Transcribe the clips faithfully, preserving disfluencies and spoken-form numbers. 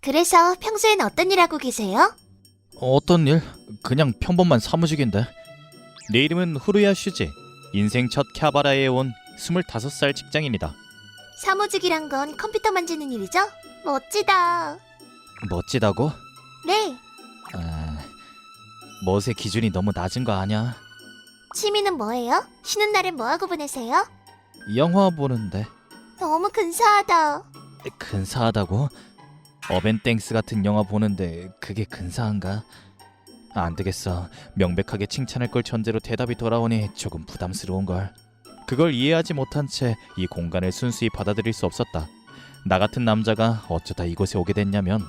그래서 평소엔 어떤 일 하고 계세요? 어떤 일? 그냥 평범한 사무직인데. 내 이름은 후루야 슈지. 인생 첫 캬바라에 온 스물다섯 살 직장인이다. 사무직이란 건 컴퓨터 만지는 일이죠? 멋지다. 멋지다고? 네. 아, 멋의 기준이 너무 낮은 거 아냐? 취미는 뭐예요? 쉬는 날엔 뭐하고 보내세요? 영화 보는데. 너무 근사하다. 근사하다고? 어벤땡스 같은 영화 보는데 그게 근사한가? 안 되겠어. 명백하게 칭찬할 걸 전제로 대답이 돌아오니 조금 부담스러운걸. 그걸 이해하지 못한 채 이 공간을 순수히 받아들일 수 없었다. 나 같은 남자가 어쩌다 이곳에 오게 됐냐면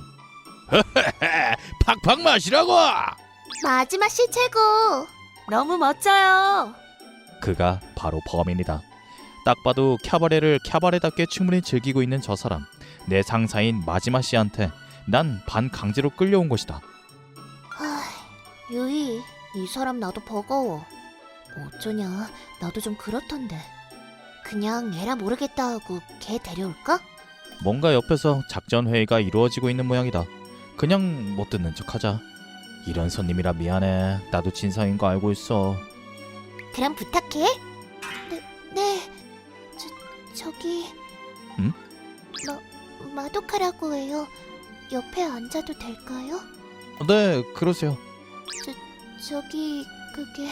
팍팍 마시라고! 마지막 씨 최고. 너무 멋져요. 그가 바로 범인이다. 딱 봐도 캬바레를 캬바레답게 충분히 즐기고 있는 저 사람. 내 상사인 마지막 씨한테 난 반 강제로 끌려온 것이다. 하, 유이, 이 사람 나도 버거워. 어쩌냐, 나도 좀 그렇던데. 그냥 에라 모르겠다 하고 걔 데려올까? 뭔가 옆에서 작전 회의가 이루어지고 있는 모양이다. 그냥 못 듣는 척하자. 이런 손님이라 미안해. 나도 진상인 거 알고 있어. 그럼 부탁해. 네, 네. 저, 저기... 응? 마, 마도카라고 해요. 옆에 앉아도 될까요? 네, 그러세요. 저, 저기... 그게...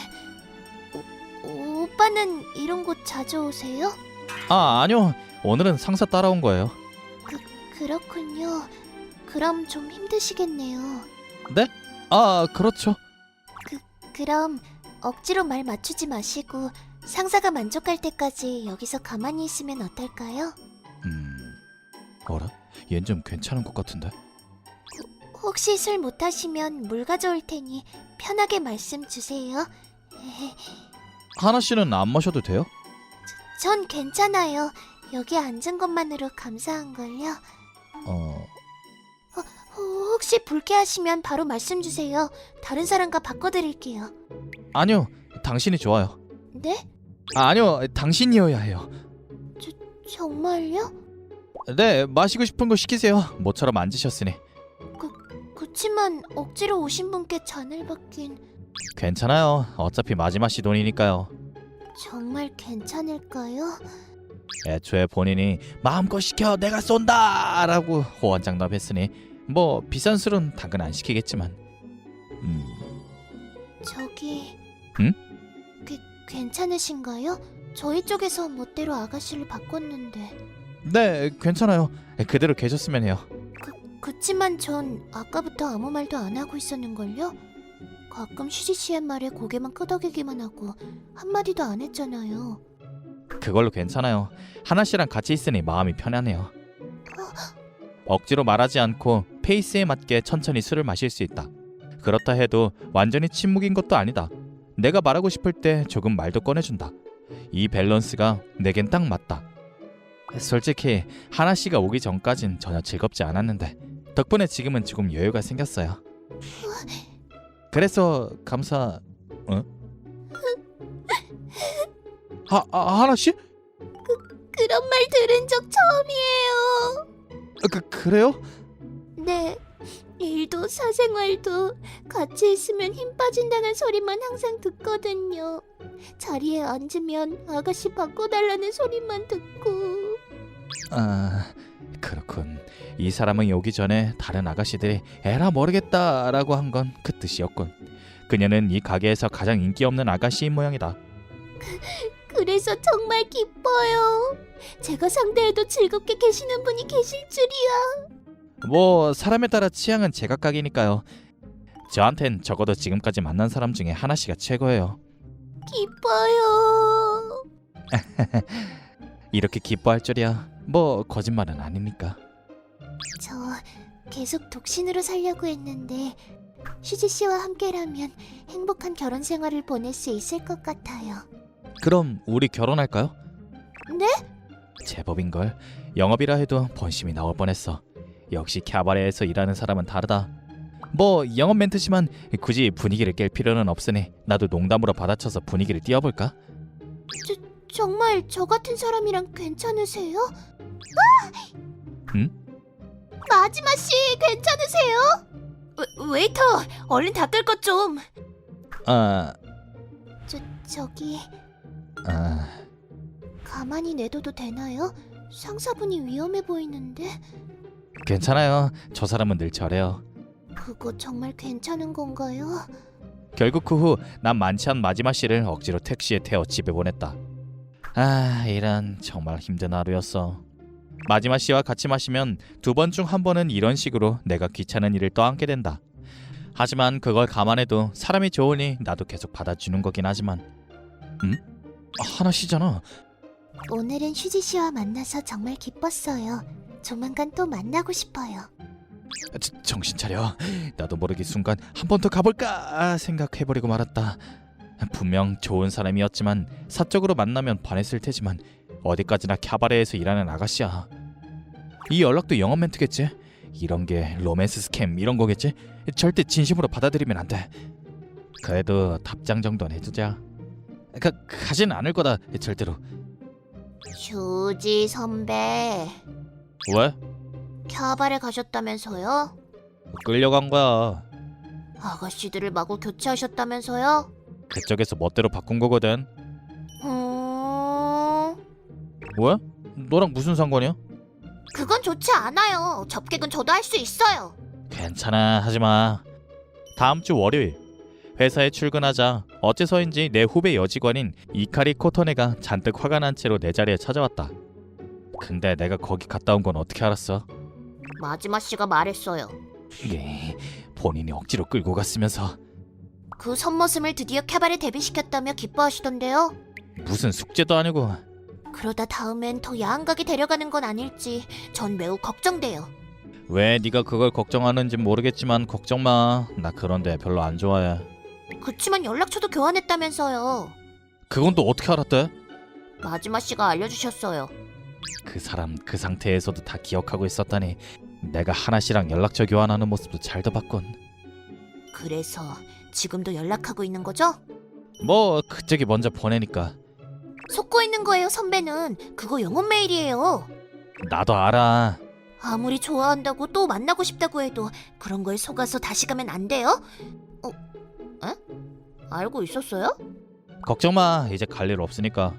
오, 오빠는 이런 곳 자주 오세요? 아, 아니요. 오늘은 상사 따라온 거예요. 그, 그렇군요. 그럼 좀 힘드시겠네요. 네? 아, 그렇죠. 그, 그럼 억지로 말 맞추지 마시고 상사가 만족할 때까지 여기서 가만히 있으면 어떨까요? 음... 어라? 얜 좀 괜찮은 것 같은데? 혹시 술 못하시면 물 가져올 테니 편하게 말씀 주세요. 하나 씨는 안 마셔도 돼요? 전 괜찮아요. 여기 앉은 것만으로 감사한걸요. 어... 혹시 불쾌하시면 바로 말씀 주세요. 다른 사람과 바꿔드릴게요. 아니요. 당신이 좋아요. 네? 아, 아니요. 당신이어야 해요. 정말요? 네, 마시고 싶은 거 시키세요. 모처럼 앉으셨으니. 그치만 억지로 오신 분께 잔을 받긴... 괜찮아요. 어차피 마지막 씨 돈이니까요. 정말 괜찮을까요? 애초에 본인이 마음껏 시켜 내가 쏜다 라고 호언장담했으니 뭐 비싼 술은 당근 안 시키겠지만. 음... 저기... 응? 그, 괜찮으신가요? 저희 쪽에서 멋대로 아가씨를 바꿨는데... 네, 괜찮아요. 그대로 계셨으면 해요. 그, 그치만 전 아까부터 아무 말도 안 하고 있었는걸요? 가끔 슈지씨의 말에 고개만 끄덕이기만 하고 한마디도 안 했잖아요. 그걸로 괜찮아요. 하나 씨랑 같이 있으니 마음이 편하네요. 억지로 말하지 않고 페이스에 맞게 천천히 술을 마실 수 있다. 그렇다 해도 완전히 침묵인 것도 아니다. 내가 말하고 싶을 때 조금 말도 꺼내준다. 이 밸런스가 내겐 딱 맞다. 솔직히 하나 씨가 오기 전까진 전혀 즐겁지 않았는데 덕분에 지금은 조금 여유가 생겼어요. 그래서 감사... 어? 하, 아, 하나 씨? 그런 말 들은 적 처음이에요. 그, 그래요? 네, 일도 사생활도 같이 있으면 힘 빠진다는 소리만 항상 듣거든요. 자리에 앉으면 아가씨 바꿔달라는 소리만 듣고. 아, 그렇군. 이 사람은 오기 전에 다른 아가씨들이 에라 모르겠다 라고 한 건 그 뜻이었군. 그녀는 이 가게에서 가장 인기 없는 아가씨인 모양이다. 그래서 정말 기뻐요. 제가 상대해도 즐겁게 계시는 분이 계실 줄이야. 뭐 사람에 따라 취향은 제각각이니까요. 저한텐 적어도 지금까지 만난 사람 중에 하나 씨가 최고예요. 기뻐요. 이렇게 기뻐할 줄이야. 뭐 거짓말은 아니니까. 저 계속 독신으로 살려고 했는데 슈지 씨와 함께라면 행복한 결혼 생활을 보낼 수 있을 것 같아요. 그럼 우리 결혼할까요? 네? 제법인걸. 영업이라 해도 본심이 나올 뻔했어. 역시 캬바레에서 일하는 사람은 다르다. 뭐 영업 멘트지만 굳이 분위기를 깰 필요는 없으니 나도 농담으로 받아쳐서 분위기를 띄워볼까? 저, 정말 저 같은 사람이랑 괜찮으세요? 아! 응? 마지막 씨 괜찮으세요? 웨, 웨이터 얼른 닦을 것 좀. 아, 저 저기 아, 가만히 내둬도 되나요? 상사분이 위험해 보이는데. 괜찮아요. 저 사람은 늘 저래요. 그거 정말 괜찮은 건가요? 결국 그 후 난 많지 않은 마지막 씨를 억지로 택시에 태워 집에 보냈다. 아, 이런 정말 힘든 하루였어. 마지막 씨와 같이 마시면 두 번 중 한 번은 이런 식으로 내가 귀찮은 일을 떠안게 된다. 하지만 그걸 감안해도 사람이 좋으니 나도 계속 받아주는 거긴 하지만. 음? 하나 씨잖아. 오늘은 휴지 씨와 만나서 정말 기뻤어요. 조만간 또 만나고 싶어요. 저, 정신 차려. 나도 모르게 순간 한 번 더 가볼까 생각해버리고 말았다. 분명 좋은 사람이었지만 사적으로 만나면 반했을 테지만 어디까지나 캬바레에서 일하는 아가씨야. 이 연락도 영업 멘트겠지? 이런 게 로맨스 스캠 이런 거겠지? 절대 진심으로 받아들이면 안 돼. 그래도 답장 정도는 해주자. 가, 가지는 않을 거다 절대로. 휴지 선배, 왜? 캬바레 가셨다면서요? 끌려간 거야. 아가씨들을 마구 교체하셨다면서요? 그쪽에서 멋대로 바꾼 거거든. 음... 왜? 너랑 무슨 상관이야? 그건 좋지 않아요. 접객은 저도 할 수 있어요. 괜찮아, 하지마. 다음 주 월요일 회사에 출근하자 어째서인지 내 후배 여직원인 이카리 코토네가 잔뜩 화가 난 채로 내 자리에 찾아왔다. 근데 내가 거기 갔다 온 건 어떻게 알았어? 마지막 씨가 말했어요. 이게 본인이 억지로 끌고 갔으면서. 그 선머슴을 드디어 캬바레 데뷔시켰다며 기뻐하시던데요. 무슨 숙제도 아니고. 그러다 다음엔 더 야한 가게 데려가는 건 아닐지 전 매우 걱정돼요. 왜 네가 그걸 걱정하는지 모르겠지만 걱정 마. 나 그런데 별로 안 좋아해. 그치만 연락처도 교환했다면서요. 그건 또 어떻게 알았대? 마지막 씨가 알려주셨어요. 그 사람 그 상태에서도 다 기억하고 있었다니. 내가 하나 씨랑 연락처 교환하는 모습도 잘도 봤군. 그래서 지금도 연락하고 있는 거죠? 뭐 그쪽이 먼저 보내니까. 속고 있는 거예요, 선배는. 그거 영업 메일이에요. 나도 알아. 아무리 좋아한다고 또 만나고 싶다고 해도 그런 거에 속아서 다시 가면 안 돼요? 어? 에? 알고 있었어요? 걱정 마. 이제 갈 일 없으니까.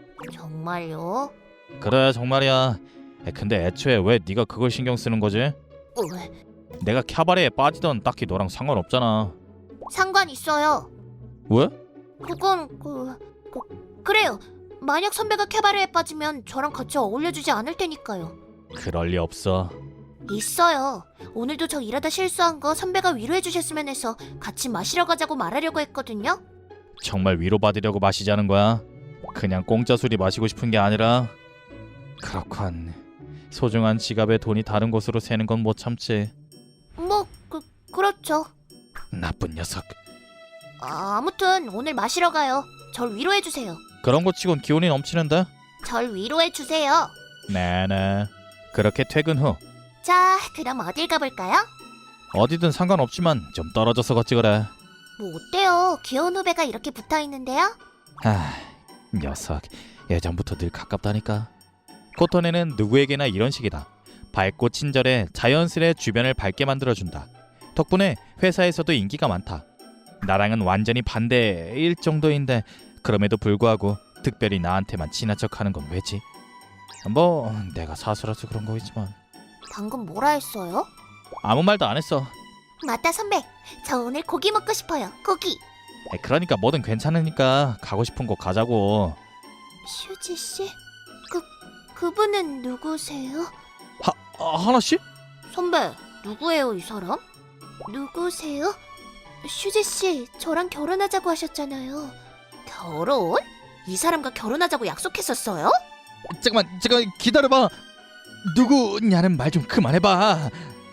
정말요? 그래 정말이야. 에, 근데 애초에 왜 네가 그걸 신경 쓰는 거지? 어, 왜? 내가 캬바레에 빠지던 딱히 너랑 상관없잖아. 상관 있어요. 왜? 그건 그, 그 그래요. 만약 선배가 캬바레에 빠지면 저랑 같이 어울려주지 않을 테니까요. 그럴 리 없어. 있어요. 오늘도 저 일하다 실수한 거 선배가 위로해 주셨으면 해서 같이 마시러 가자고 말하려고 했거든요. 정말 위로받으려고 마시자는 거야? 그냥 공짜 술이 마시고 싶은 게 아니라. 그렇군. 소중한 지갑에 돈이 다른 곳으로 새는 건 못 참지. 뭐 그, 그렇죠. 나쁜 녀석. 아, 아무튼 오늘 마시러 가요. 절 위로해 주세요. 그런 거 치곤 기운이 넘치는데? 절 위로해 주세요. 네네. 그렇게 퇴근 후 자, 그럼 어딜 가볼까요? 어디든 상관없지만 좀 떨어져서 걷지 그래. 뭐 어때요? 귀여운 후배가 이렇게 붙어 있는데요? 아, 녀석. 예전부터 늘 가깝다니까. 코토네는 누구에게나 이런 식이다. 밝고 친절해 자연스레 주변을 밝게 만들어준다. 덕분에 회사에서도 인기가 많다. 나랑은 완전히 반대일 정도인데 그럼에도 불구하고 특별히 나한테만 친한 척하는 건 왜지? 뭐 내가 사수라서 그런 거겠지만. 방금 뭐라 했어요? 아무 말도 안 했어. 맞다 선배. 저 오늘 고기 먹고 싶어요. 고기. 에이, 그러니까 뭐든 괜찮으니까 가고 싶은 곳 가자고. 슈지 씨? 그 그분은 누구세요? 하, 아, 하나 씨? 선배, 누구예요 이 사람? 누구세요? 슈지 씨, 저랑 결혼하자고 하셨잖아요. 결혼? 이 사람과 결혼하자고 약속했었어요? 잠깐만 잠깐 기다려봐. 누구냐는 말 좀 그만해봐.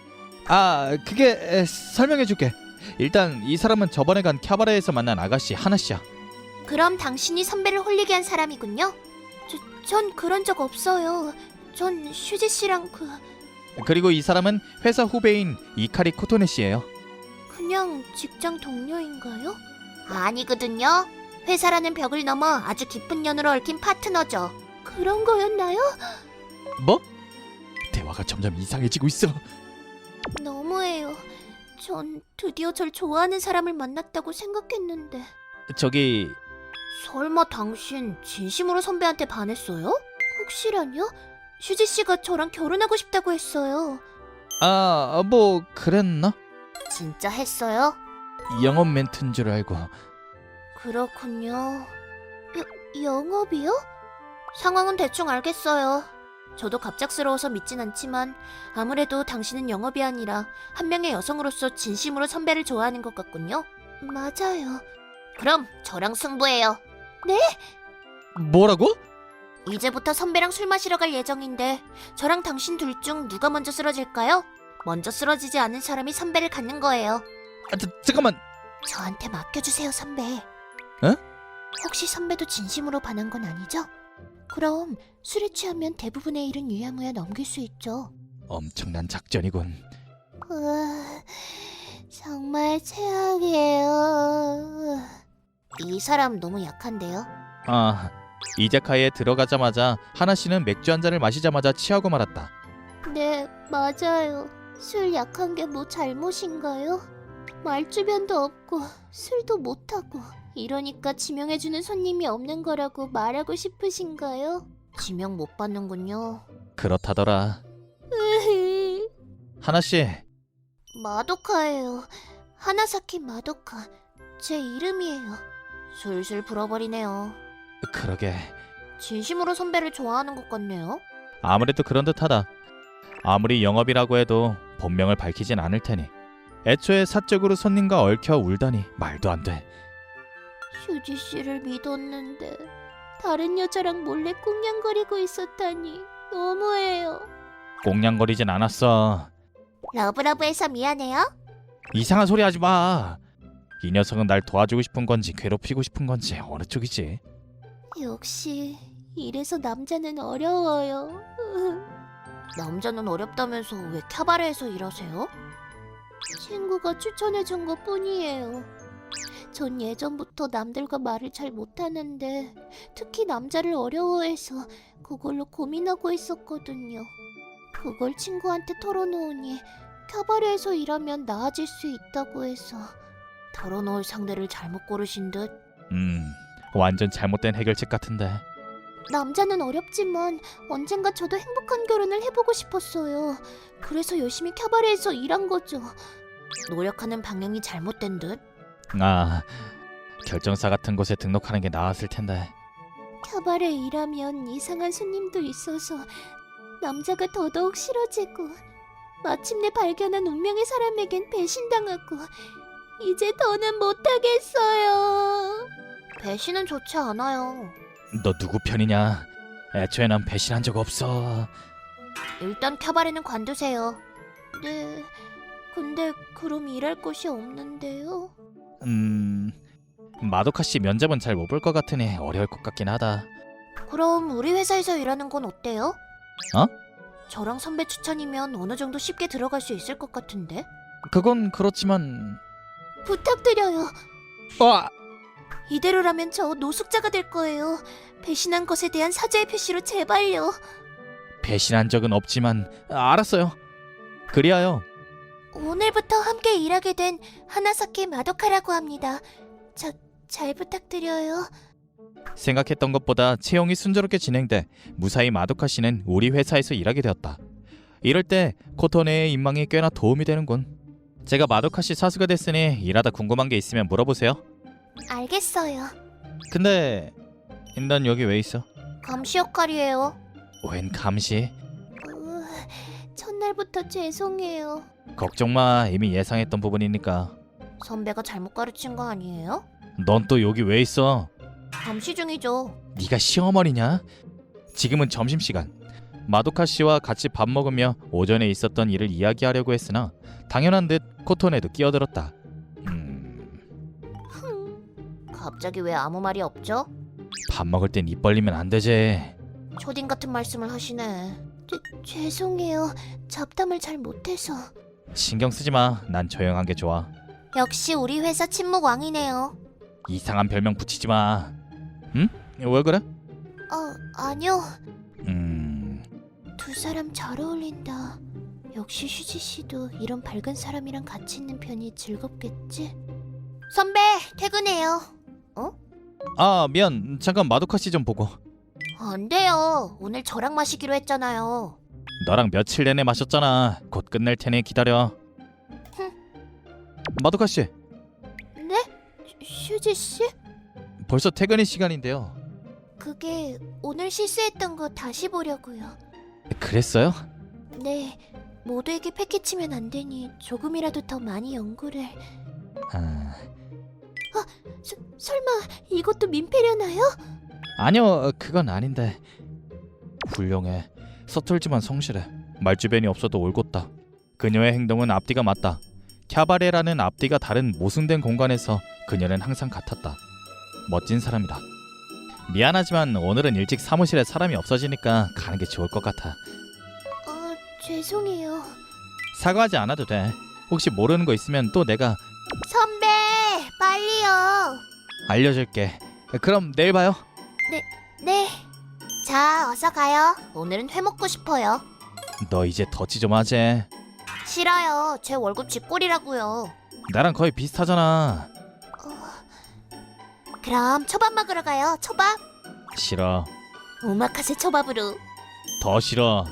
아 그게 에, 설명해줄게. 일단 이 사람은 저번에 간 캬바레에서 만난 아가씨 하나씨야. 그럼 당신이 선배를 홀리게 한 사람이군요? 저, 전 그런 적 없어요. 전 슈지 씨랑 그... 그리고 이 사람은 회사 후배인 이카리 코토네 씨예요. 그냥 직장 동료인가요? 아니거든요. 회사라는 벽을 넘어 아주 깊은 연으로 얽힌 파트너죠. 그런 거였나요? 뭐? 대화가 점점 이상해지고 있어. 너무해요. 전 드디어 절 좋아하는 사람을 만났다고 생각했는데. 저기 설마 당신 진심으로 선배한테 반했어요? 혹시라뇨? 슈지 씨가 저랑 결혼하고 싶다고 했어요. 아, 뭐 그랬나? 진짜 했어요? 영업 멘트인 줄 알고. 그렇군요. 여, 영업이요? 상황은 대충 알겠어요. 저도 갑작스러워서 믿진 않지만 아무래도 당신은 영업이 아니라 한 명의 여성으로서 진심으로 선배를 좋아하는 것 같군요. 맞아요. 그럼 저랑 승부해요. 뭐라고? 이제부터 선배랑 술 마시러 갈 예정인데 저랑 당신 둘 중 누가 먼저 쓰러질까요? 먼저 쓰러지지 않은 사람이 선배를 갖는 거예요. 아, 자, 잠깐만. 저한테 맡겨주세요, 선배. 에? 혹시 선배도 진심으로 반한 건 아니죠? 그럼 술에 취하면 대부분의 일은 유야무야 넘길 수 있죠. 엄청난 작전이군. 으아, 정말 최악이에요. 이 사람 너무 약한데요? 아, 이자카야에 들어가자마자 하나 씨는 맥주 한 잔을 마시자마자 취하고 말았다. 네, 맞아요. 술 약한 게 뭐 잘못인가요? 말주변도 없고 술도 못하고 이러니까 지명해주는 손님이 없는 거라고 말하고 싶으신가요? 지명 못 받는군요. 그렇다더라. 하나 씨, 마도카예요. 하나사키 마도카. 제 이름이에요. 술술 불어버리네요. 그러게. 진심으로 선배를 좋아하는 것 같네요. 아무래도 그런 듯하다. 아무리 영업이라고 해도 본명을 밝히진 않을 테니. 애초에 사적으로 손님과 얽혀 울다니 말도 안 돼. 휴지 씨를 믿었는데 다른 여자랑 몰래 꽁냥거리고 있었다니 너무해요. 꽁냥거리진 않았어. 러브러브해서 미안해요. 이상한 소리 하지 마. 이 녀석은 날 도와주고 싶은 건지 괴롭히고 싶은 건지 어느 쪽이지? 역시 이래서 남자는 어려워요. 남자는 어렵다면서 왜 캬바레에서 일하세요? 친구가 추천해준 것 뿐이에요. 전 예전부터 남들과 말을 잘 못하는데 특히 남자를 어려워해서 그걸로 고민하고 있었거든요. 그걸 친구한테 털어놓으니 캬바레에서 일하면 나아질 수 있다고 해서. 털어놓을 상대를 잘못 고르신 듯. 음, 완전 잘못된 해결책 같은데. 남자는 어렵지만 언젠가 저도 행복한 결혼을 해보고 싶었어요. 그래서 열심히 캬바레에서 일한 거죠. 노력하는 방향이 잘못된 듯. 아, 결정사 같은 곳에 등록하는 게 나았을 텐데. 캬바레 일하면 이상한 손님도 있어서 남자가 더더욱 싫어지고 마침내 발견한 운명의 사람에겐 배신당하고 이제 더는 못하겠어요. 배신은 좋지 않아요. 너 누구 편이냐? 애초에 난 배신한 적 없어. 일단 캬바레는 관두세요. 네, 근데 그럼 일할 곳이 없는데요? 음, 마도카 씨 면접은 잘 못 볼 것 같으니 어려울 것 같긴 하다. 그럼 우리 회사에서 일하는 건 어때요? 어? 저랑 선배 추천이면 어느 정도 쉽게 들어갈 수 있을 것 같은데? 그건 그렇지만. 부탁드려요. 와, 이대로라면 저 노숙자가 될 거예요. 배신한 것에 대한 사죄의 표시로 제발요. 배신한 적은 없지만. 아, 알았어요. 그리하여. 오늘부터 함께 일하게 된 하나사키 마도카라고 합니다. 저 잘 부탁드려요. 생각했던 것보다 채용이 순조롭게 진행돼 무사히 마도카 씨는 우리 회사에서 일하게 되었다. 이럴 때 코토네의 인망이 꽤나 도움이 되는군. 제가 마도카 씨 사수가 됐으니 일하다 궁금한 게 있으면 물어보세요. 알겠어요. 근데 넌 여기 왜 있어? 감시 역할이에요. 웬 감시? 으, 첫날부터 죄송해요. 걱정 마, 이미 예상했던 부분이니까. 선배가 잘못 가르친 거 아니에요? 넌 또 여기 왜 있어? 감시 중이죠. 네가 시어머니냐? 지금은 점심시간. 마도카 씨와 같이 밥 먹으며 오전에 있었던 일을 이야기하려고 했으나 당연한 듯 코토네도 끼어들었다. 음... 갑자기 왜 아무 말이 없죠? 밥 먹을 땐 입 벌리면 안 되지. 초딩 같은 말씀을 하시네. 죄, 죄송해요. 잡담을 잘 못해서. 신경 쓰지 마. 난 조용한 게 좋아. 역시 우리 회사 침묵 왕이네요. 이상한 별명 붙이지 마. 응? 왜 그래? 아, 아니요. 음... 두 사람 잘 어울린다. 역시 휴지 씨도 이런 밝은 사람이랑 같이 있는 편이 즐겁겠지? 선배, 퇴근해요. 아 미안 잠깐 마도카 씨 좀 보고. 안 돼요. 오늘 저랑 마시기로 했잖아요. 너랑 며칠 내내 마셨잖아. 곧 끝낼 테니 기다려. 마도카 씨 네? 휴지 씨? 벌써 퇴근의 시간인데요. 그게 오늘 실수했던 거 다시 보려고요. 그랬어요? 네, 모두에게 패키치면 안 되니 조금이라도 더 많이 연구를. 아... 서, 설마 이것도 민폐려나요? 아니요 그건 아닌데. 훌륭해. 서툴지만 성실해. 말주변이 없어도 올곧다. 그녀의 행동은 앞뒤가 맞다. 캬바레라는 앞뒤가 다른 모순된 공간에서 그녀는 항상 같았다. 멋진 사람이다. 미안하지만 오늘은 일찍 사무실에 사람이 없어지니까 가는 게 좋을 것 같아. 어, 죄송해요. 사과하지 않아도 돼. 혹시 모르는 거 있으면 또 내가 선배, 빨리요. 알려줄게. 그럼 내일 봐요. 네. 자, 어서 가요. 오늘은 회 먹고 싶어요. 너 이제 덧지 좀 하지. 싫어요. 제 월급 쥐꼬리라고요. 나랑 거의 비슷하잖아. 그럼 초밥 먹으러 가요. 초밥. 싫어. 오마카세 초밥으로. 더 싫어.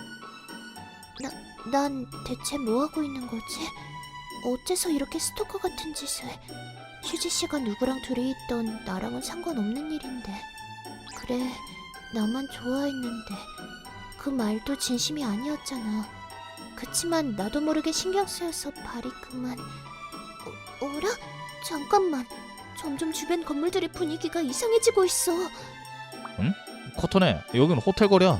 난 대체 뭐 하고 있는 거지? 어째서 이렇게 스토커 같은 짓을? 휴지 씨가 누구랑 둘이 있던 나랑은 상관없는 일인데. 그래, 나만 좋아했는데 그 말도 진심이 아니었잖아. 그치만 나도 모르게 신경 쓰여서 발이 그만. 어, 어라? 잠깐만. 점점 주변 건물들의 분위기가 이상해지고 있어. 코토네 여긴 호텔 거리야.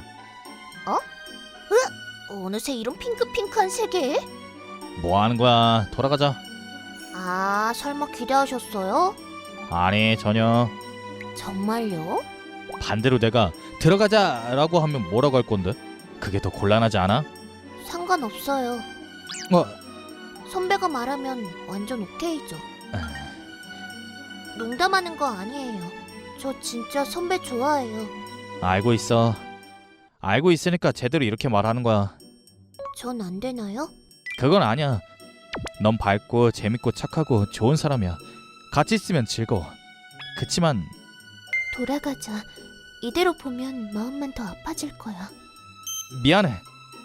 어느새 이런 핑크핑크한 세계에? 뭐 하는 거야? 돌아가자. 아, 설마 기대하셨어요? 아니 전혀. 정말요? 반대로 내가 들어가자라고 하면 뭐라고 할 건데? 그게 더 곤란하지 않아? 상관없어요. 뭐 선배가 말하면 완전 오케이죠. 농담하는 거 아니에요. 저 진짜 선배 좋아해요. 알고 있어. 알고 있으니까 제대로 이렇게 말하는 거야. 전 안 되나요? 그건 아니야. 넌 밝고 재밌고 착하고 좋은 사람이야. 같이 있으면 즐거워. 그치만 돌아가자. 이대로 보면 마음만 더 아파질 거야. 미안해.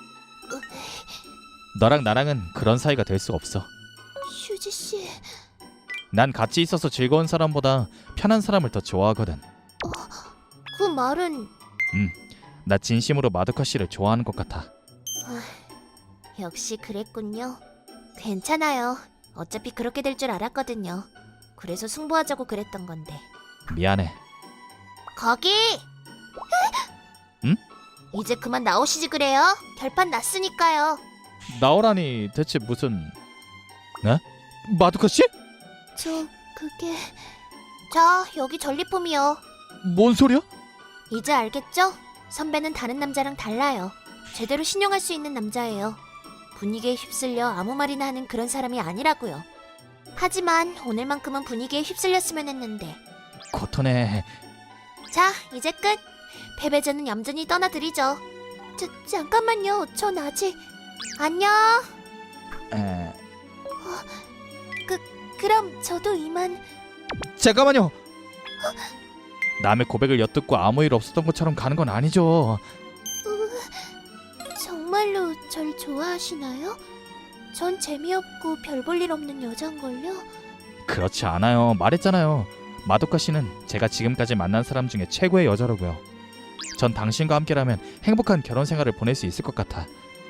너랑 나랑은 그런 사이가 될 수 없어. 휴지 씨, 난 같이 있어서 즐거운 사람보다 편한 사람을 더 좋아하거든. 그 말은 나 진심으로 마도카 씨를 좋아하는 것 같아. 역시 그랬군요. 괜찮아요. 어차피 그렇게 될 줄 알았거든요. 그래서 승부하자고 그랬던 건데. 미안해. 거기! 응? 이제 그만 나오시지 그래요. 결판 났으니까요. 나오라니 대체 무슨... 네? 마도카 씨? 저 그게... 자, 여기 전리품이요. 뭔 소리야? 이제 알겠죠? 선배는 다른 남자랑 달라요. 제대로 신용할 수 있는 남자예요. 분위기에 휩쓸려 아무 말이나 하는 그런 사람이 아니라고요. 하지만 오늘만큼은 분위기에 휩쓸렸으면 했는데. 코토네. 자, 이제 끝. 패배자는 얌전히 떠나드리죠. 자, 잠깐만요. 전 아직... 안녕. 에... 그럼 저도 이만... 잠깐만요. 남의 고백을 엿듣고 아무 일 없었던 것처럼 가는 건 아니죠. 정말로 절 좋아하시나요? 전 재미없고 별 볼 일 없는 여잔걸요? 그렇지 않아요. 말했잖아요. 마도카 씨는 제가 지금까지 만난 사람 중에 최고의 여자라고요. 전 당신과 함께라면 행복한 결혼 생활을 보낼 수 있을 것 같아.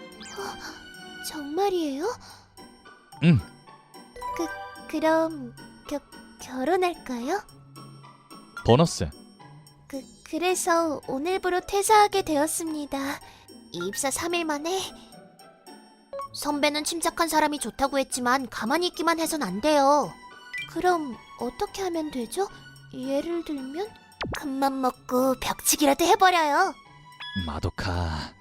정말이에요? 응. 그, 그럼 겨, 결혼할까요? 보너스. 그, 그래서 오늘부로 퇴사하게 되었습니다. 입사 삼 일 만에. 선배는 침착한 사람이 좋다고 했지만 가만히 있기만 해선 안 돼요. 그럼 어떻게 하면 되죠? 예를 들면? 큰맘 먹고 벽치기라도 해버려요. 마도카.